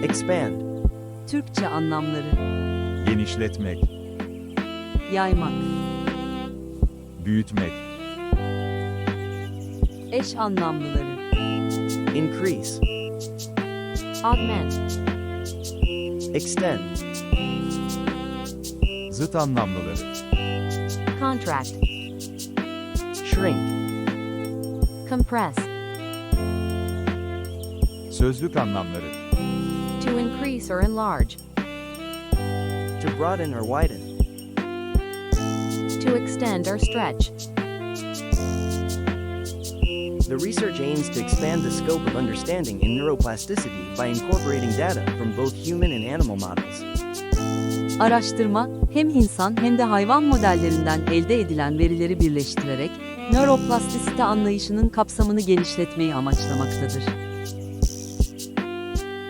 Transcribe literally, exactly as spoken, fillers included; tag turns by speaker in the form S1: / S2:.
S1: Expand.
S2: Türkçe anlamları:
S3: genişletmek,
S2: yaymak,
S3: büyütmek,
S2: eş anlamlıları:
S1: Increase.
S2: augment,
S1: Extend.
S3: zıt anlamlıları,
S2: contract,
S1: Shrink.
S2: compress,
S3: sözlük anlamları,
S2: to increase or enlarge,
S1: To broaden or widen.
S2: to extend or stretch.
S1: The research aims to expand the scope of understanding in neuroplasticity by incorporating data from both human and animal models.
S2: Araştırma, hem insan hem de hayvan modellerinden elde edilen verileri birleştirerek, nöroplastisite anlayışının kapsamını genişletmeyi amaçlamaktadır.